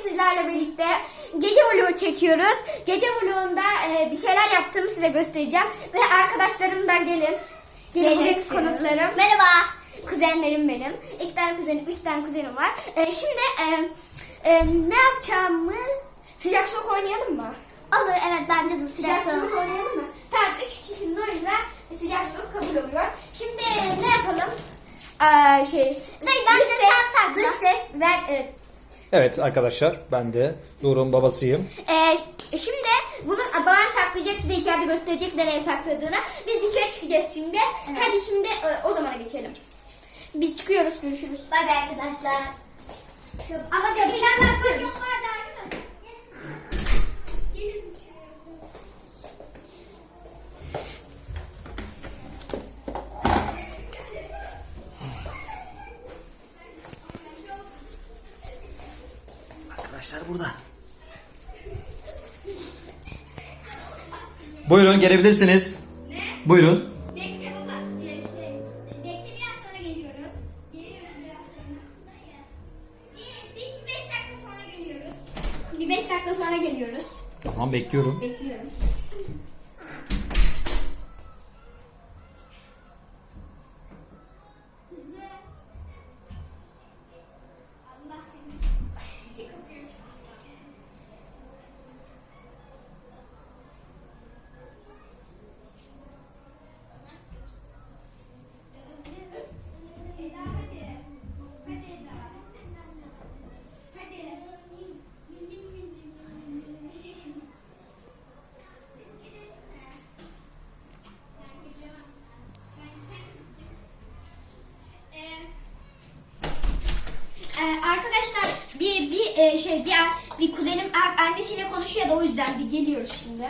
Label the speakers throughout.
Speaker 1: sizlerle birlikte gece vlogu çekiyoruz. Gece vlogunda bir şeyler yaptığımı size göstereceğim. Ve arkadaşlarım da gelin. Bugün konuklarım. Merhaba. Kuzenlerim benim. 2 tane kuzenim, 3 tane kuzenim var. Şimdi ne yapacağımız... Sıcak soğuk oynayalım mı?
Speaker 2: Olur, evet, bence de
Speaker 1: Sıcak soğuk oynayalım mı? Tamam, 3 kişinin oyuyla sıcak soğuk kabul oluyor. Şimdi ne yapalım?
Speaker 2: Bence sen sakla.
Speaker 1: Dış ses ver.
Speaker 3: Evet arkadaşlar, ben de Doruk'un babasıyım.
Speaker 1: Şimdi bunu babam saklayacak, size içeride gösterecek nereye sakladığını. Biz dışarı çıkacağız şimdi.
Speaker 2: Evet.
Speaker 1: Hadi şimdi o zamana geçelim. Biz çıkıyoruz, görüşürüz.
Speaker 2: Bay bay arkadaşlar. Ama kapıdan bakıyoruz.
Speaker 3: Arkadaşlar burada. Buyurun, gelebilirsiniz.
Speaker 1: Ne?
Speaker 3: Buyurun.
Speaker 1: Bekle baba. Bekle, biraz sonra geliyoruz. Geliyoruz biraz sonra. Bir 5 dakika sonra geliyoruz. Bir 5 dakika sonra geliyoruz.
Speaker 3: Tamam, bekliyorum.
Speaker 1: Bekliyorum. Allah seni. Kapıyı açmışlar. Eda hadi. Hadi Eda. Hadi. Arkadaşlar bir kuzenim annesiyle konuşuyor da o yüzden bir geliyoruz şimdi.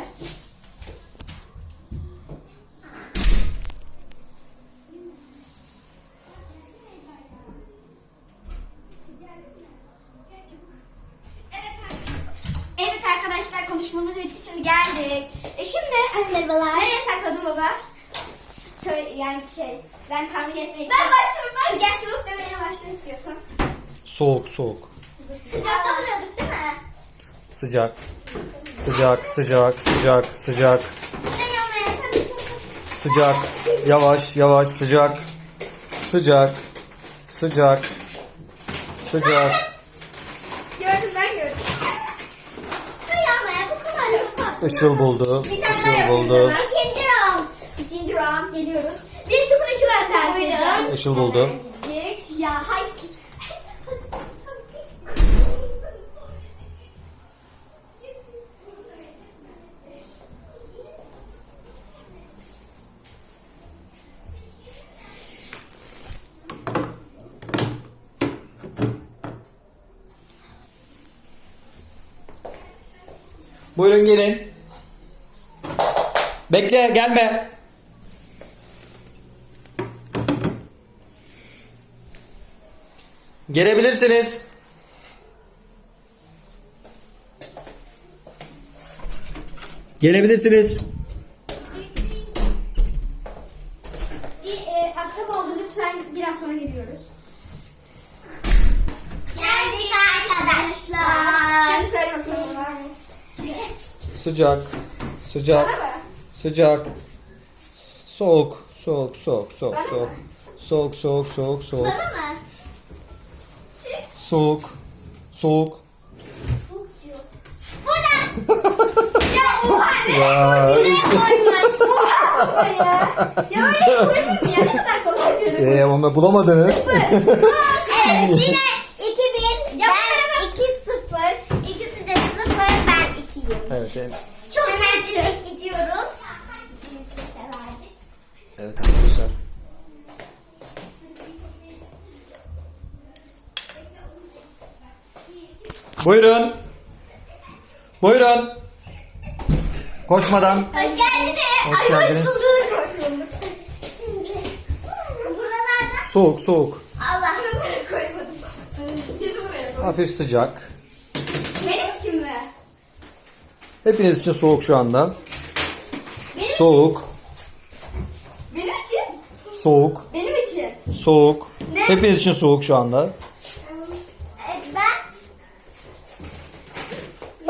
Speaker 1: Evet arkadaşlar, konuşmamız bitti, şimdi geldik. Şimdi
Speaker 2: Merhabalar.
Speaker 1: nereye sakladın baba? Ben tahmin etmek
Speaker 2: Ben başlıyorum, ben.
Speaker 1: Sıcak soğuk demeye başla istiyorsan.
Speaker 3: Soğuk, soğuk.
Speaker 2: Sıcakta buluyorduk değil mi?
Speaker 3: Sıcak. Sıcak, sıcak, sıcak, sıcak.
Speaker 2: Ne yapmaya sen de çok...
Speaker 3: Sıcak. Yavaş, yavaş, sıcak. Sıcak. Sıcak. Sıcak.
Speaker 1: Gördüm, ben gördüm.
Speaker 2: Ne yapmaya bu kadar çok tatlı.
Speaker 3: Işıl buldu.
Speaker 1: Bir tane daha
Speaker 3: Işıl
Speaker 1: yapıyoruz
Speaker 3: buldu.
Speaker 1: hemen.
Speaker 2: İkinci round.
Speaker 1: İkinci round geliyoruz. 1-0 Işıl önde.
Speaker 2: Buyurun.
Speaker 3: Işıl buldu.
Speaker 1: Ya hay.
Speaker 3: Buyurun gelin. Bekle, gelme. Gelebilirsiniz. Gelebilirsiniz.
Speaker 1: Bir aksama oldu, lütfen biraz sonra geliyoruz.
Speaker 2: Geldik arkadaşlar.
Speaker 1: Şimdi söyle bakalım.
Speaker 3: Sıcak. Sıcak.
Speaker 1: Bana mı?
Speaker 3: Sıcak. Soğuk. Soğuk, soğuk, soğuk,
Speaker 1: Bana
Speaker 3: soğuk.
Speaker 1: mı?
Speaker 3: Soğuk, soğuk, soğuk, soğuk.
Speaker 2: Bana mı?
Speaker 3: Soğuk. Soğuk.
Speaker 2: Burada.
Speaker 1: Ya oha ne?
Speaker 3: Ya.
Speaker 1: Oha ya. Ya öyle koyayım ya, ne kadar kolay görünüyor.
Speaker 3: Ama bulamadınız.
Speaker 2: Evet, yine 2-1. Ben 2-0. İkisi de 0. Ben 2'yim.
Speaker 3: Evet, evet.
Speaker 2: Çok hemen gidiyoruz.
Speaker 3: Evet arkadaşlar. Buyurun. Buyurun. Koşmadan.
Speaker 2: Hoş geldiniz.
Speaker 3: Hoş
Speaker 2: Ay,
Speaker 3: geldiniz.
Speaker 2: hoş bulduk. Hoş bulduk. Şimdi buralarda
Speaker 3: Soğuk, soğuk.
Speaker 2: Allah.
Speaker 1: Buraya koymadım. Kesin buraya koy.
Speaker 3: Hafif sıcak.
Speaker 1: Benim için mi?
Speaker 3: Hepiniz için soğuk şu anda.
Speaker 1: Benim
Speaker 3: Soğuk.
Speaker 1: Benim için.
Speaker 3: Soğuk.
Speaker 1: Benim için.
Speaker 3: Soğuk.
Speaker 1: Ne?
Speaker 3: Hepiniz için soğuk şu anda.
Speaker 2: Ben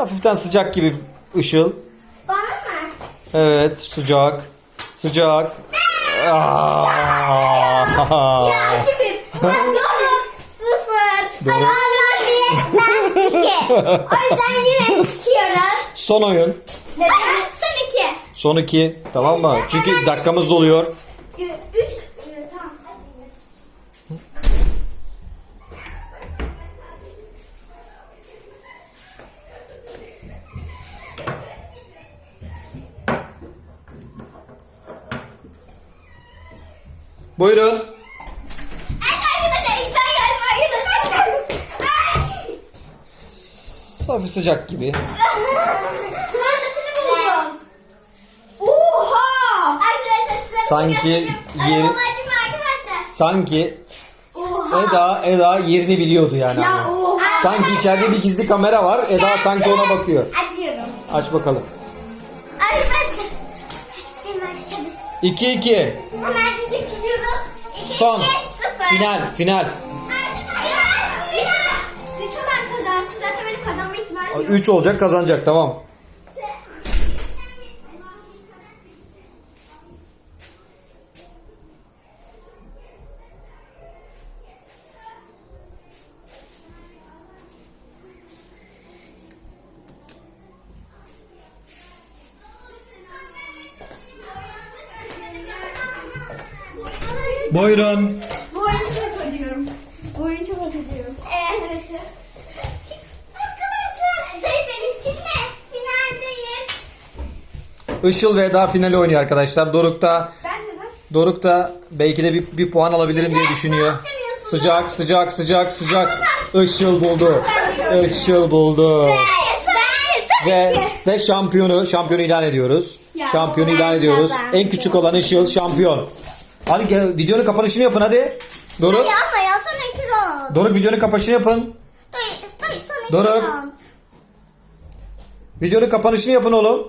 Speaker 3: Hafiften sıcak gibi Işıl.
Speaker 1: Bana mı?
Speaker 3: Evet, sıcak. Sıcak. Aa!
Speaker 1: Ya 2-1. Doruk 0.
Speaker 3: Doruk.
Speaker 1: Ayağlar 1. Ben 2. O yüzden yine çıkıyoruz.
Speaker 3: Son oyun.
Speaker 1: Neden? Son 2.
Speaker 3: Son 2. Tamam mı? Çünkü dakikamız doluyor.
Speaker 1: 3. Tamam.
Speaker 3: Buyurun.
Speaker 1: Arkadaşlar ilk ben geldim. Arkadaşlar.
Speaker 3: Hafif sıcak gibi.
Speaker 1: Kumandasını buldum. Oha! Arkadaşlar size
Speaker 3: Sanki
Speaker 1: göstereceğim.
Speaker 3: yeri-
Speaker 1: Babacığım arkadaşlar.
Speaker 3: Sanki
Speaker 1: Oha!
Speaker 3: Eda yerini biliyordu yani.
Speaker 1: Ya oha!
Speaker 3: Sanki içeride bir gizli kamera var. Eda sanki ona bakıyor.
Speaker 1: Açıyorum.
Speaker 3: Aç bakalım.
Speaker 1: Arkadaşlar. Senin arkadaşlar biz
Speaker 3: 2-2.
Speaker 1: hemen gidip gidiyoruz. 2,
Speaker 3: Son.
Speaker 1: 0.
Speaker 3: Final. Final.
Speaker 1: Final. 3 olan kazansın. Zaten benim kazanma ihtimalim yok.
Speaker 3: 3 olacak, kazanacak, tamam. Buyurun.
Speaker 1: Bu oyunu çok ödüyorum. Bu oyunu çok ödüyorum. Evet. Arkadaşlar, benim için ne? Finaldeyiz.
Speaker 3: Işıl ve Eda finali oynuyor arkadaşlar. Doruk da belki de bir puan alabilirim diye düşünüyor. Sıcak, sıcak, sıcak, sıcak. Işıl buldu. Işıl buldu. Ve şampiyonu ilan ediyoruz.
Speaker 1: Ya,
Speaker 3: Şampiyonu
Speaker 1: ben
Speaker 3: ilan ediyoruz.
Speaker 1: kazandım.
Speaker 3: En küçük olan Işıl şampiyon. Hadi gel, videonun kapanışını yapın hadi. Doruk.
Speaker 1: Ama ya son 2 round.
Speaker 3: Doruk videonun kapanışını yapın.
Speaker 1: Son 2
Speaker 3: Doruk.
Speaker 1: round.
Speaker 3: Videonun kapanışını yapın oğlum.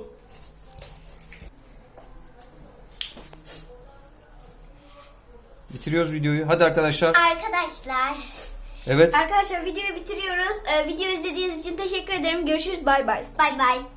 Speaker 3: Bitiriyoruz videoyu. Hadi arkadaşlar.
Speaker 1: Arkadaşlar.
Speaker 3: Evet.
Speaker 1: Arkadaşlar videoyu bitiriyoruz. Video izlediğiniz için teşekkür ederim. Görüşürüz. Bay bay. Bay bay.